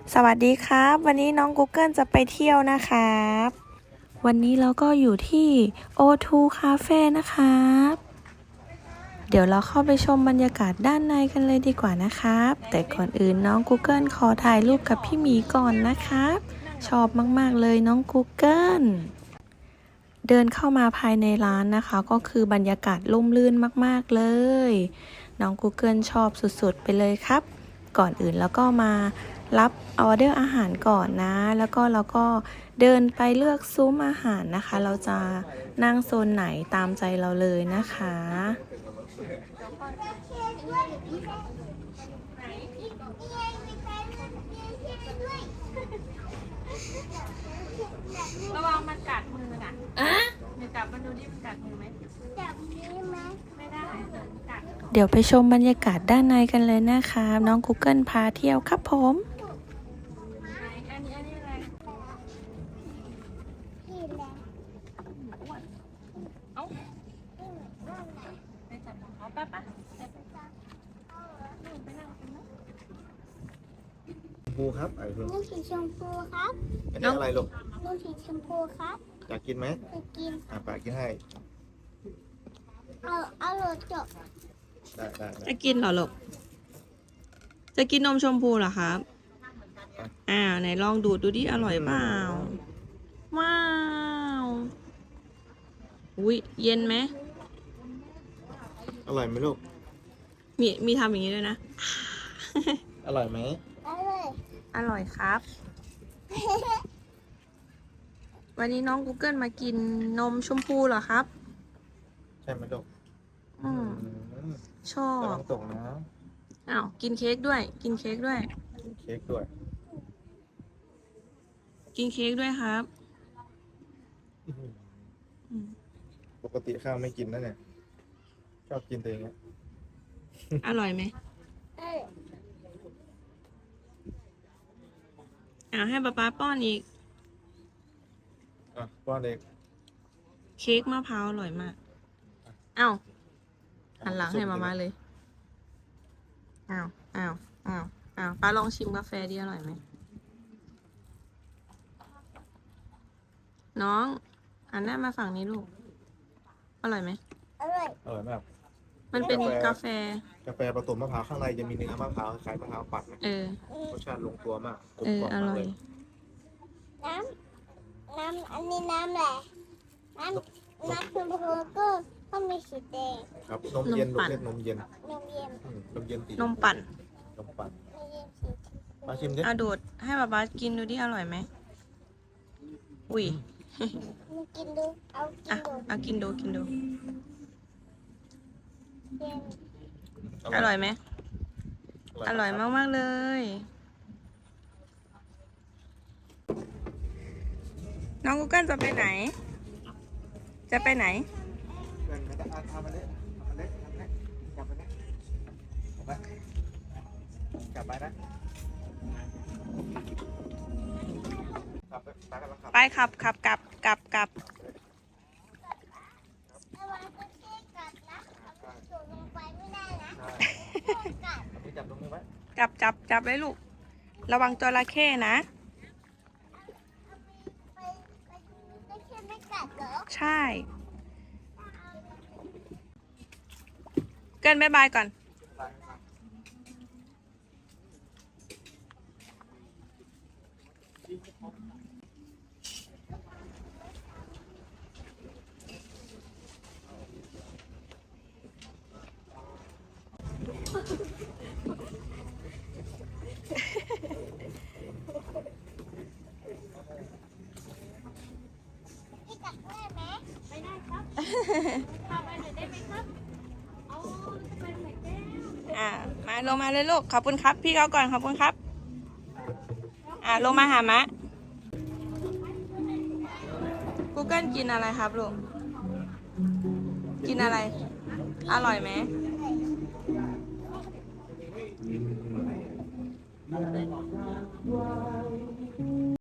สวัสดีครับวันนี้น้อง Google จะไปเที่ยวนะครับวันนี้เราก็อยู่ที่ O2 Cafe นะครับเดี๋ยวเราเข้าไปชมบรรยากาศด้านในกันเลยดีกว่านะครับแต่ก่อนอื่นน้อง Google ขอถ่ายรูปกับพี่หมีก่อนนะครับชอบมากๆเลยน้อง Google เดินเข้ามาภายในร้านนะคะก็คือบรรยากาศร่มรื่นมากๆเลยน้อง Google ชอบสุดๆไปเลยครับก่อนอื่นแล้วก็มารับออเดอร์อาหารก่อนนะแล้วก็เราก็เดินไปเลือกซุ้มอาหารนะคะเราจะนั่งโซนไหนตามใจเราเลยนะคะระวังมันกัดมือน่ะเดี๋ยวจับมันดูดิมันกัดมือไหมจับนี้ไหมไม่ได้กัดเดี๋ยวไปชมบรรยากาศด้านในกันเลยนะคะน้อง Google พาเที่ยวครับผมอันนี้อะไรเอ้าไปจับของเขาป่ะไปนั่งกันนะชมพูครับไอ้ลูกลูกสีชมพูครับอันนี้อะไรลูกลูกสีชมพูครับอยากกินไหมไปกินป้ากินให้เอาโหลดจบได้จะกินเหรอลูกจะกินนมชมพูเหรอครับไหนลองดูดดูดิอร่อยเปล่าว้าวอุ้ยเย็นไหมอร่อยไหมลูกมีทำอย่างนี้ด้วยนะอร่อยไหมเอาเลยอร่อยครับ วันนี้น้อง Google มากินนมชมพูเหรอครับใช่ไหมลูกอืมชอระบวังตกนะอ้าวกินเค้กด้วย กินเค้กด้วยกินเค้กด้วยกินเค้กด้วยครับอืมปกติข้าวไม่กินนะเนี่ยชอบกินตัวเองเนี่ยอร่อยไหมเอาเลยให้ป๊าป้อนอีกป้อนเด็กเค้กมะพร้าวอร่อยมากอ้าวหันหลังให้มาเลยอ้าวป้าลองชิมกาแฟดิอร่อยไหมน้องหันหน้ามาฝั่งนี้ลูกอร่อยไหมเอาเลยอร่อยมากมันเป็นกาแฟกาแฟผสมมะพร้าวข้างในจะมีเนื้อมะพร้าวคล้ายมะพร้าวปั่นนะ รสชาติลงตัวมากกลมกล่อมอมากร่อเลย ยอันนี้น้ำแหละน้ำชมพูก็มีสีแดงครับนมเย็นลูกเรียกนมเย็นนมเย็นนมเย็นสีนมปั่นนมปั่นนมเย็นสีชมพูมาชิมดิดูดให้ป๊ากินดูดิอร่อยไหมอุ้ยมากินดูเอากินดูกินดูเย็นอร่อยไหมอร่อยมากๆเลย น้อง Google จะไปไหน จะไปไหนทำมาเล็กจับไปนะจับไปนะจับไปตากันแล้วครับไปขับกลับระวังตะเกียบกัดนะเอาสูงลงไปไม่ได้นะกัดมือจับตรงนี้ไว้จับไว้ลูก ระวังจระเข้นะไปตะเกียบไม่กัดเหรอใช่ เกินบ๊ายบายก่อนพี่กัดได้ไหมไม่ได้ครับพาไปหน่อยได้ไหมครับเอาจะไปไหนแก้วมาลงมาเลยลูก ขอบคุณครับ พี่เขาก่อนขอบคุณครับ ลงมาหามะ Google กินอะไรครับลูก กินอะไร อร่อยไหม